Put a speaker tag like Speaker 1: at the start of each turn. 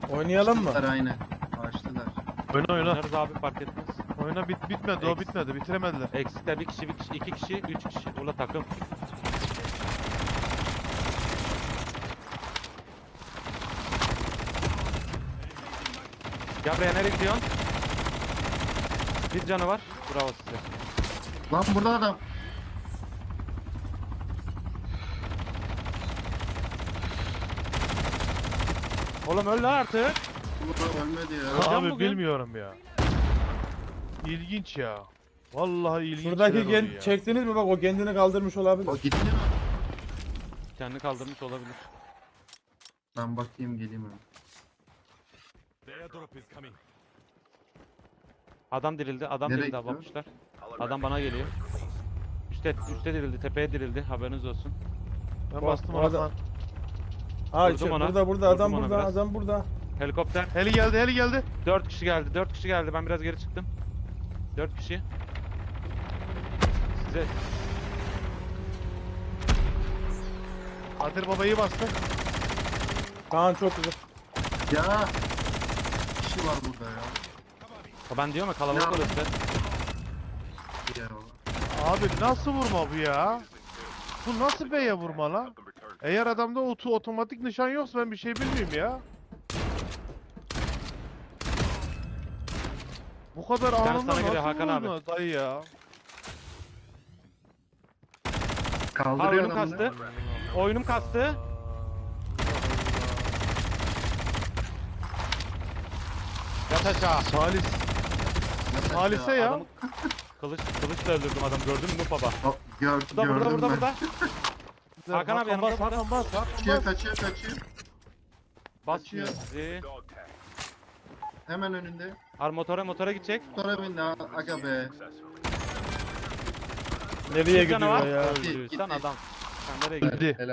Speaker 1: Oynayalım mı?
Speaker 2: Açtılar aynen. Açtılar.
Speaker 3: Oyna oyna.
Speaker 4: Oynarız abi fark etmez.
Speaker 3: Oyna bitmedi o
Speaker 4: Eks.
Speaker 3: bitmedi. Bitiremediler.
Speaker 4: Eksikler bir kişi, iki kişi, üç kişi. Ula takım. Gel buraya, nereye gidiyorsun? Bir canı var. Bravo size.
Speaker 2: Lan burada adam.
Speaker 4: Oğlum öl lan artık.
Speaker 2: Burada ölmedi ya.
Speaker 4: Hocam
Speaker 3: Abi
Speaker 4: bugün-
Speaker 3: bilmiyorum ya. İlginç ya. Vallahi ilginç.
Speaker 1: Şuradaki
Speaker 3: şeyler oluyor ya.
Speaker 1: çektiniz mi bak o kendini kaldırmış olabilir.
Speaker 2: O gitti mi?
Speaker 4: Kendini kaldırmış olabilir.
Speaker 2: Ben bakayım geleyim hemen.
Speaker 4: Adam dirildi, adam
Speaker 2: Nereye
Speaker 4: dirildi
Speaker 2: gidiyor?
Speaker 4: abamışlar. Adam bana geliyor. Üste dirildi, tepeye dirildi. Haberiniz olsun.
Speaker 3: Ben
Speaker 1: O-
Speaker 3: bastım
Speaker 1: o
Speaker 3: ona.
Speaker 1: adam- Ha
Speaker 4: Vurdum ona.
Speaker 1: burada adam
Speaker 4: Vurdum ona
Speaker 1: burada
Speaker 4: biraz.
Speaker 1: adam burada.
Speaker 4: Helikopter.
Speaker 3: Heli geldi heli geldi.
Speaker 4: 4 kişi geldi, 4 kişi geldi. Ben biraz geri çıktım. 4 kişi. Size
Speaker 3: Kadir babayı bastı.
Speaker 1: Kaan çok güzel.
Speaker 2: Ya. Bir kişi var burada ya.
Speaker 4: ben diyorum ya kalabalık
Speaker 2: Ya.
Speaker 4: orası.
Speaker 2: Bir yer o.
Speaker 3: Abi nasıl vurma bu ya? Bu nasıl B'ye vurma lan? Eğer adamda otomatik nişan yoksa ben bir şey bilmiyorum ya. Bu kadar
Speaker 4: tane
Speaker 3: anında
Speaker 4: sana geliyor
Speaker 3: nasıl
Speaker 4: Hakan abi.
Speaker 3: vurma dayı ya?
Speaker 4: Ha
Speaker 2: Kaldırıyor
Speaker 4: oyunum
Speaker 2: adamı.
Speaker 4: kastı. Oyunum kastı. Yat aşağı.
Speaker 3: Salis.
Speaker 2: Yat
Speaker 3: Salise
Speaker 2: aşağı.
Speaker 3: ya.
Speaker 4: Adamı kılıçla öldürdüm adam. Gördün mü baba?
Speaker 2: Hop, gördüm
Speaker 4: Burada
Speaker 2: ben.
Speaker 4: burada. Hakan abi yanımda,
Speaker 3: bas,
Speaker 4: burada.
Speaker 3: Hakan bas.
Speaker 2: Kaçıyor kaçıyor.
Speaker 4: Basmıyor sizi.
Speaker 2: Hemen önünde.
Speaker 4: Motora gidecek.
Speaker 2: Sonra bindi ha. Aga be.
Speaker 1: Nereye
Speaker 4: Bir canı var.
Speaker 1: gidiyor ya?
Speaker 4: Öldü.
Speaker 2: Gitti.
Speaker 4: Sen adam. Sen nereye gidiyorsun?
Speaker 3: Gitti.
Speaker 2: Helal.